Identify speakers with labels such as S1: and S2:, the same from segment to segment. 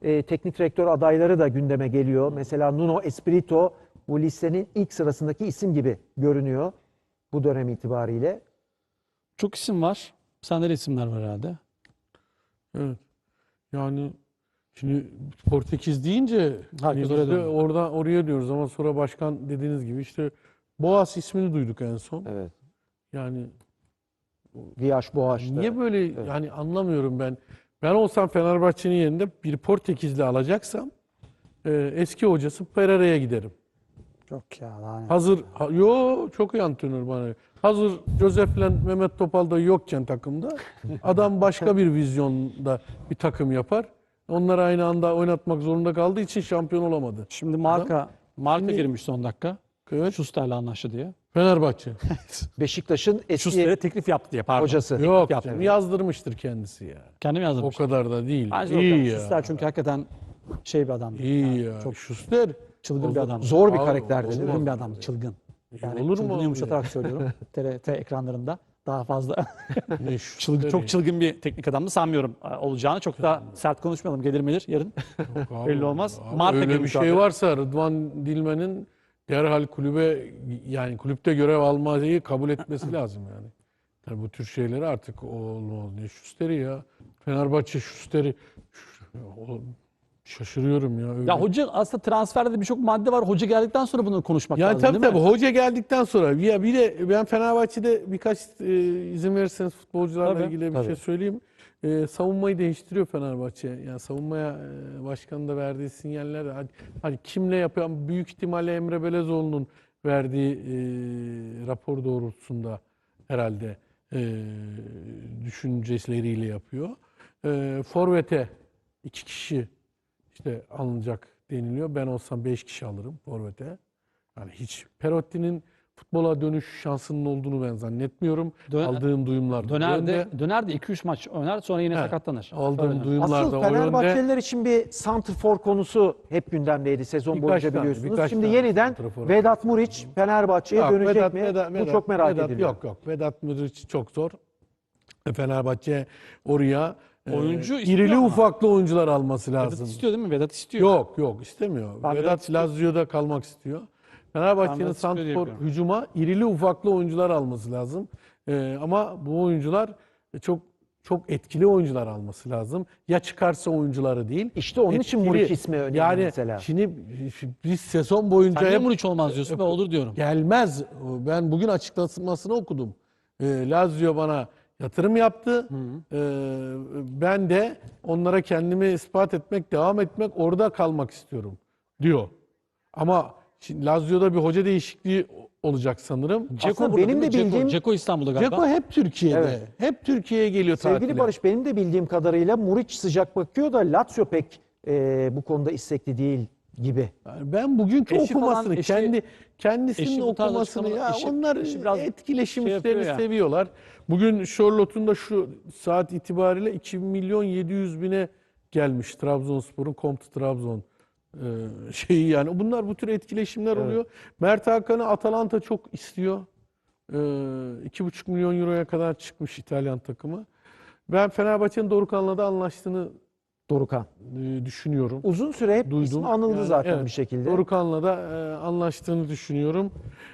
S1: teknik direktör adayları da gündeme geliyor. Mesela Nuno Espirito bu listenin ilk sırasındaki isim gibi görünüyor bu dönem itibariyle.
S2: Çok isim var. Sende de isimler var herhalde.
S3: Evet. Yani şimdi Portekiz deyince hani
S2: Herkes
S3: biz
S2: oraya
S3: de
S2: döndü.
S3: oraya diyoruz ama sonra başkan dediğiniz gibi işte Boğaz ismini duyduk en son.
S1: Evet.
S3: Yani
S1: Riyaş Boğaç'ta.
S3: niye böyle yani anlamıyorum ben. Ben olsam Fenerbahçe'nin yerinde bir Portekizli alacaksam eski hocası Pereira'ya giderim.
S2: Yok ya.
S3: Yo çok iyi antrenör bana. Hazır Josef'le Mehmet Topal da yokken takımda adam başka bir vizyonda bir takım yapar. Onları aynı anda oynatmak zorunda kaldığı için şampiyon olamadı.
S2: Şimdi marka
S3: Şimdi-
S2: girmiş son dakika.
S3: Evet.
S2: Schuster'le anlaştı diye.
S3: Fenerbahçe.
S1: Beşiktaş'ın eski
S2: Schuster'e teklif yaptı diye pardon.
S1: hocası.
S3: Yok
S2: yaptı.
S3: canım, yazdırmıştır kendisi ya.
S2: Kendim
S3: O
S2: yazdım.
S3: kadar da değil.
S2: Bence
S3: İyi
S2: iyi
S3: ya.
S2: Schuster çünkü hakikaten şey bir adam.
S3: İyi ya.
S2: Çok
S3: Schuster.
S2: çılgın bir adam.
S1: Zor bir
S3: Abi,
S1: karakterdi değil mi?
S2: Çılgın bir adam. Çılgın. Yani
S3: Olur mu
S2: çılgını
S3: abi
S2: yumuşatarak söylüyorum. TRT ekranlarında daha fazla
S3: Ne Schuster
S2: çok
S3: ya.
S2: çılgın bir teknik adamdı sanmıyorum olacağını. Çok da sert konuşmayalım. Gelir melir yarın.
S3: Abi,
S2: Belli olmaz.
S3: abi,
S2: Marka
S3: öyle bir
S2: girmiş
S3: şey
S2: abi.
S3: varsa Rıdvan Dilmen'in derhal kulübe yani kulüpte görev almayı kabul etmesi lazım yani. Tabii bu tür şeyleri artık olmaz. Ne Schuster'i ya. Fenerbahçe Schuster'i şaşırıyorum ya. Öyle.
S2: Ya hoca aslında transferde de birçok madde var. Hoca geldikten sonra bunu konuşmak
S3: Yani
S2: lazım
S3: tabii
S2: değil mi?
S3: tabii hoca geldikten sonra ya bir de ben Fenerbahçe'de birkaç izin verirseniz futbolcularla
S2: Tabii,
S3: ilgili bir
S1: tabii.
S3: şey söyleyeyim. Savunmayı değiştiriyor Fenerbahçe. Yani savunmaya başkanın da verdiği sinyaller hani kimle yapıyor? Büyük ihtimalle Emre Belezoğlu'nun verdiği rapor doğrultusunda herhalde düşünceleriyle yapıyor. Forvet'e 2 kişi işte alınacak deniliyor. Ben olsam 5 kişi alırım forvete. Yani hiç Perotti'nin futbola dönüş şansının olduğunu ben zannetmiyorum. Aldığım duyumlar da o yönde.
S2: Döner de 2-3 maç oynar sonra yine
S3: He,
S2: sakatlanır.
S3: Aldığım
S2: Öyle.
S3: duyumlar
S1: Asıl
S3: da o yönde.
S1: Fenerbahçeliler için bir santrfor konusu hep gündemdeydi sezon
S3: Birkaç
S1: boyunca
S3: tane,
S1: biliyorsunuz.
S3: birkaç
S1: Şimdi
S3: tane
S1: yeniden
S3: santrfor.
S1: Vedat Muriç Fenerbahçe'ye
S3: Yok,
S1: dönecek mi? Bu çok merak ediliyor.
S3: Yok. Vedat Muriç çok zor. Fenerbahçe oraya
S2: Oyuncu istiyor
S3: irili
S2: ama.
S3: ufaklı oyuncular alması
S2: Vedat
S3: lazım.
S2: istiyor değil mi? Vedat istiyor.
S3: Yok istemiyor.
S2: Ben Vedat
S3: Vedat
S2: istiyor.
S3: Lazio'da kalmak istiyor.
S2: Ben
S3: Fenerbahçe'nin
S2: Vedat istiyor diye
S3: santrfor
S2: biliyorum.
S3: hücuma irili ufaklı oyuncular alması lazım. Ama bu oyuncular çok etkili oyuncular alması lazım. Ya çıkarsa oyuncuları değil.
S1: İşte onun için
S3: etkili.
S1: Muriç ismi önemli
S3: yani
S1: mesela.
S3: Şimdi biz sezon boyunca
S2: Sen niye
S3: hep
S2: Muriç olmaz diyorsun? Ben olur diyorum.
S3: gelmez. Ben bugün açıklamasını okudum. Lazio bana yatırım yaptı. Ben de onlara kendimi ispat etmek, devam etmek, orada kalmak istiyorum diyor. Ama şimdi Lazio'da bir hoca değişikliği olacak sanırım.
S1: Aslında benim de bildiğim
S2: Ceko İstanbul'da galiba.
S3: Ceko hep Türkiye'de.
S1: Evet.
S3: Hep Türkiye'ye geliyor
S1: sevgili
S3: tatile.
S1: Barış benim de bildiğim kadarıyla Muriç sıcak bakıyor da Lazio pek bu konuda istekli değil gibi.
S3: Yani ben bugünkü
S2: Eşi falan,
S3: okumasını, kendisinin
S2: eşi bu tarz
S3: okumasını ya
S2: açıklamalar-
S3: onlar
S2: eşi biraz
S3: etkileşim
S2: şey yapıyor
S3: işlerini
S2: ya.
S3: seviyorlar. Bugün Charlotte'un da şu saat itibariyle 2 milyon 700 bine gelmiş Trabzonspor'un Comte Trabzon şeyi yani. Bunlar bu tür etkileşimler oluyor. Mert Hakan'ı Atalanta çok istiyor. 2,5 milyon euroya kadar çıkmış İtalyan takımı. Ben Fenerbahçe'nin Dorukhan'la da anlaştığını
S1: Dorukhan.
S3: düşünüyorum.
S1: Uzun süre hep
S3: Duydum.
S1: ismi anıldı
S3: Yani
S1: zaten
S3: evet,
S1: bir şekilde.
S3: Dorukhan'la da anlaştığını düşünüyorum.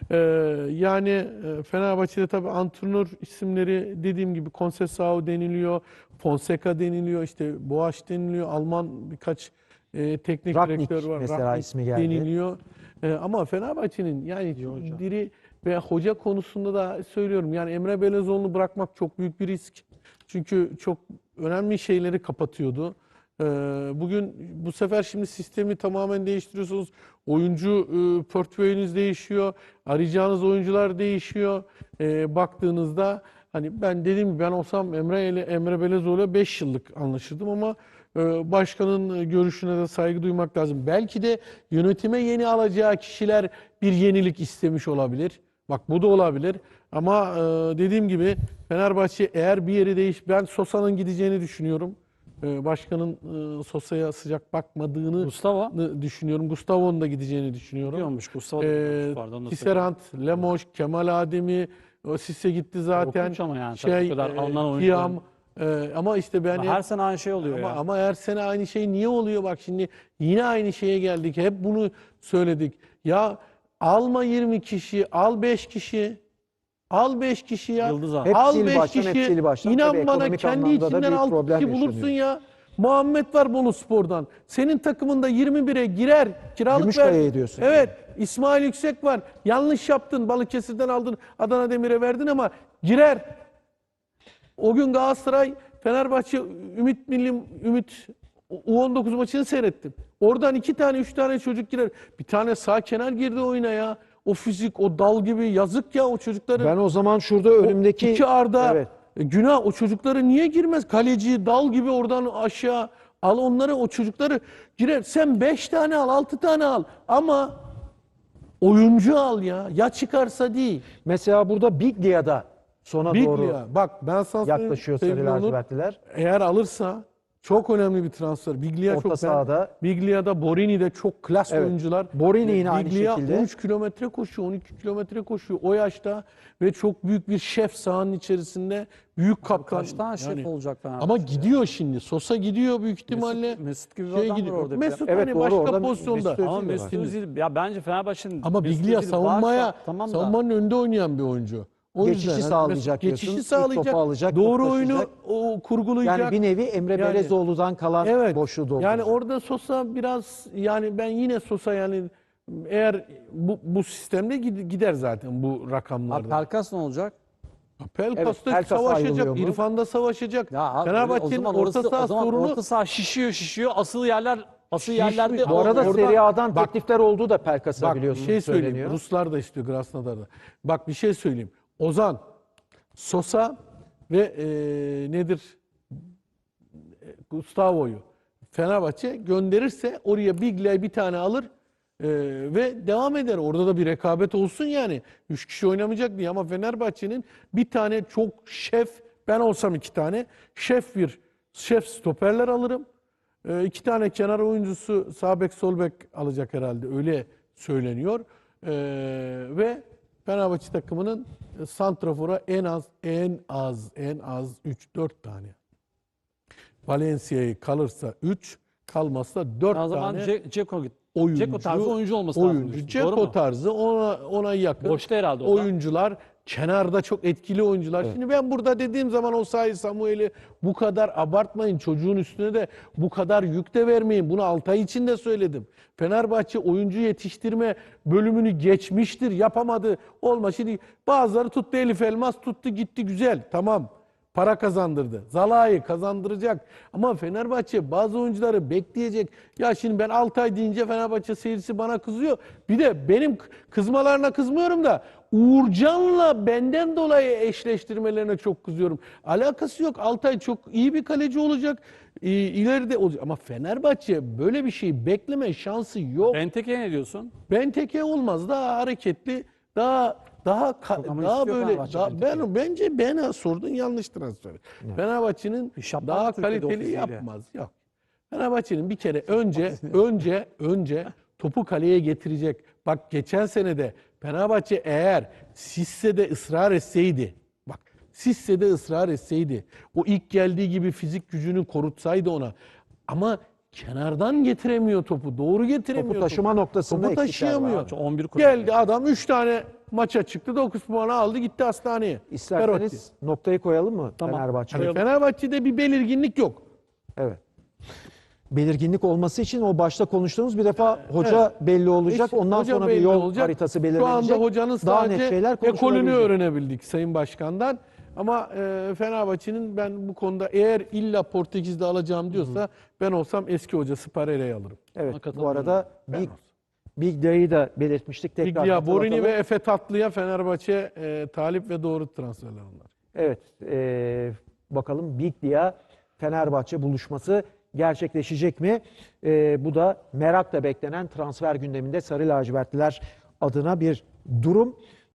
S3: Yani Fenerbahçe'de tabii antrenör isimleri dediğim gibi Conceição deniliyor, Fonseca deniliyor, işte Boğaç deniliyor, Alman birkaç teknik
S1: Rangnick
S3: direktör var.
S1: mesela
S3: Rangnick
S1: ismi geldi.
S3: deniliyor. Ama Fenerbahçe'nin yani diri ve hoca konusunda da söylüyorum. Yani Emre Belezoğlu'nu bırakmak çok büyük bir risk. Çünkü çok önemli şeyleri kapatıyordu. Bugün bu sefer şimdi sistemi tamamen değiştiriyorsunuz. Oyuncu portföyünüz değişiyor. Arayacağınız oyuncular değişiyor. Baktığınızda hani ben dediğim gibi ben olsam Emre Belezoğlu'yla 5 yıllık anlaşırdım ama başkanın görüşüne de saygı duymak lazım. Belki de yönetime yeni alacağı kişiler bir yenilik istemiş olabilir. Bak bu da olabilir. Ama dediğim gibi Fenerbahçe eğer bir yeri ben Sosa'nın gideceğini düşünüyorum. Başkanın Sosa'ya sıcak bakmadığını
S2: Gustavo
S3: düşünüyorum. Gustavo'nun da gideceğini düşünüyorum.
S2: diyormuş. Gustavo da diyormuş, pardon, onu da
S3: Tisserand, Lemos, Kemal Ademi, o Sisse gitti zaten.
S2: Korkunç ama yani tabii bu kadar alınan oyuncuların-
S3: Tiam, Ama işte ben
S2: Her sene aynı şey oluyor ya.
S3: ama her sene aynı şey niye oluyor? Bak şimdi yine aynı şeye geldik. Hep bunu söyledik. Ya alma 20 kişi, al 5 kişi. Al 5 kişi ya.
S2: Yıldız abi.
S1: Hep
S3: Al
S1: sil
S3: 5
S1: baştan, hep
S3: kişi.
S1: sil baştan.
S3: İnan
S1: Tabii
S3: bana
S1: ekonomik
S3: kendi
S1: anlamda da
S3: içinden
S1: büyük
S3: 6
S1: problem
S3: kişi bulursun
S1: yaşanıyor.
S3: ya. Muhammed var Boluspor'dan. Senin takımında 21'e girer. Kiralık
S1: Gümüşkaya'ya
S3: ver.
S1: diyorsun.
S3: Evet. İsmail Yüksek var. Yanlış yaptın. Balıkesir'den aldın. Adana Demir'e verdin ama girer. O gün Galatasaray Fenerbahçe Ümit U19 maçını seyrettim. Oradan 2 tane 3 tane çocuk girer. Bir tane sağ kenar girdi oyuna ya. O fizik, o dal gibi yazık ya o çocukları.
S1: Ben o zaman şurada önümdeki...
S3: İki Arda
S1: Evet.
S3: günah, o çocukları niye girmez? Kaleci dal gibi oradan aşağı al onları, o çocukları girer. Sen 5 tane al, 6 tane al ama oyuncu al ya. Ya çıkarsa değil.
S1: Mesela burada Biglia'da sona doğru
S3: Biglia. Bak ben sana söyleyeyim,
S1: yaklaşıyor
S3: sevgili
S1: Sarı
S3: Onur.
S1: lacivertliler.
S3: Eğer alırsa çok önemli bir transfer. Biglia
S1: Orta
S3: çok
S1: sahada.
S3: Biglia'da, Borini'de çok klas
S1: Evet.
S3: oyuncular.
S1: Borini yine aynı
S3: Biglia
S1: şekilde.
S3: 13 kilometre koşuyor, 12 kilometre koşuyor o yaşta ve çok büyük bir şef sahanın içerisinde, büyük kaptan.
S2: Kaç tane şef
S3: Yani.
S2: olacak Fenerbahçe?
S3: Ama gidiyor şimdi. Sosa gidiyor büyük ihtimalle.
S2: Mesut gibi bir adam var
S3: gidiyor.
S2: orada bir de.
S3: Mesut
S1: Evet,
S3: hani
S1: doğru,
S3: başka
S1: orada
S3: pozisyonda.
S1: Mesut Özil
S2: Ama
S1: de
S2: Mesut
S1: var.
S2: Özil, ya bence Fenerbahçe'nin
S3: Ama
S2: Mesut
S3: Biglia
S2: Özil
S3: savunmaya,
S2: varsa tamam da
S3: savunmanın önünde oynayan bir oyuncu. O
S1: Geçişi
S3: yüzden hani
S1: sağlayacak
S3: geçişi
S1: diyorsun. İlk
S3: sağlayacak.
S1: topu alacak,
S3: Doğru
S1: top
S3: oyunu
S1: taşıyacak.
S3: o kurgulayacak.
S1: Yani bir nevi Emre
S3: Yani-
S1: Belezoğlu'dan kalan
S3: Evet.
S1: boşluğu dolduracak.
S3: Yani orada Sosa biraz, yani ben yine Sosa, yani eğer bu sistemde gider zaten bu
S2: Abi
S3: rakamlarda.
S2: Pelkas ne olacak?
S3: Pelkas da
S1: Pelkas
S3: savaşacak,
S1: ayrılıyor mu?
S3: İrfan da savaşacak.
S2: Ya abi, o
S3: Fenerbahçe'nin
S2: zaman
S3: orta saha
S2: o zaman
S3: sorunu
S2: orta saha şişiyor. Asıl yerlerde
S1: Bu arada
S3: Orada-
S1: Serie A'dan
S3: Bak-
S1: teklifler olduğu da Pelkas'a
S3: bak bir
S1: biliyorsunuz
S3: şey söyleyeyim.
S1: söyleniyor.
S3: Ruslar da istiyor, Krasnodar'da. Bak bir şey söyleyeyim. Ozan, Sosa ve nedir? Gustavo'yu Fenerbahçe gönderirse oraya Biglia'yı bir tane alır ve devam eder. Orada da bir rekabet olsun yani. 3 kişi oynamayacak diye, ama Fenerbahçe'nin bir tane çok şef, ben olsam 2 tane şef stoperler alırım. 2 tane kenar oyuncusu, sağ bek sol bek alacak herhalde, öyle söyleniyor. Ve Fenerbahçe takımının santrafora en az 3-4 tane. Valencia'yı kalırsa 3, kalmazsa 4
S2: o zaman
S3: tane
S2: Dzeko
S3: oyuncu.
S2: Dzeko tarzı oyuncu olması lazım.
S3: Oyuncu.
S2: diyorsun. Doğru
S3: Dzeko
S2: mu?
S3: tarzı, ona yakın.
S2: Boşta herhalde o da.
S3: oyuncular, kenarda çok etkili oyuncular. Şimdi ben burada dediğim zaman Osayi Samuel'i bu kadar abartmayın. Çocuğun üstüne de bu kadar yük de vermeyin. Bunu Altay için de söyledim. Fenerbahçe oyuncu yetiştirme bölümünü geçmiştir. Yapamadı. Olma. Şimdi bazıları tuttu, Elif Elmas tuttu gitti, güzel. Tamam. Para kazandırdı. Zalai'yi kazandıracak. Ama Fenerbahçe bazı oyuncuları bekleyecek. Ya şimdi ben Altay deyince Fenerbahçe seyircisi bana kızıyor. Bir de benim kızmalarına kızmıyorum da Uğurcan'la benden dolayı eşleştirmelerine çok kızıyorum. Alakası yok. Altay çok iyi bir kaleci olacak. İleride olacak. Ama Fenerbahçe böyle bir şey bekleme şansı yok.
S2: Benteke'ye ne diyorsun?
S3: Benteke olmaz. Daha hareketli, daha
S2: ama
S3: daha
S2: istiyor
S3: böyle
S2: Fenerbahçe Benteke'yi.
S3: bence bana sordun, yanlış transfer. Fenerbahçe'nin
S2: İş yapmaz
S3: daha
S2: mı Türkiye'de
S3: kaliteli
S2: ofisiyle?
S3: yapmaz. Yok. Fenerbahçe'nin bir kere önce topu kaleye getirecek. Bak geçen sene de Fenerbahçe eğer Sisse'de ısrar etseydi, bak Sisse'de ısrar etseydi, o ilk geldiği gibi fizik gücünü korutsaydı ona, ama kenardan getiremiyor topu. Doğru getiremiyor.
S1: Topu taşıma noktasında
S3: Topu
S1: eksikler var.
S3: taşıyamıyor.
S2: 11 kulüp.
S3: Geldi adam 3 tane maça çıktı. 9 puanı aldı, gitti hastaneye. Perotti.
S1: İsterseniz noktayı koyalım mı
S2: Tamam.
S1: Fenerbahçe'ye?
S3: Yani Fenerbahçe'de bir belirginlik yok.
S1: Evet. Belirginlik olması için o başta konuştuğumuz bir defa hoca belli olacak.
S3: İşte
S1: Ondan
S3: hoca
S1: sonra bir
S3: belli
S1: yol
S3: olacak.
S1: haritası belirlenecek.
S3: Şu anda hocanın
S1: Daha net
S3: sadece
S1: şeyler
S3: ekolünü
S1: konuşulabilecek.
S3: öğrenebildik Sayın Başkan'dan. Ama Fenerbahçe'nin, ben bu konuda eğer illa Portekiz'de alacağım diyorsa, ben olsam eski hocası Pereira'yı alırım.
S1: Evet.
S2: Ona
S1: Bu arada
S3: Ben
S1: Big Day'i de belirtmiştik. Tekrar
S3: Biglia, Borini
S1: hatırlatalım.
S3: ve Efe Tatlı'ya Fenerbahçe talip ve doğru transferler onlar.
S1: Evet. Bakalım Biglia Fenerbahçe buluşması gerçekleşecek mi? Bu da merakla beklenen transfer gündeminde Sarı Lacivertliler adına bir durum.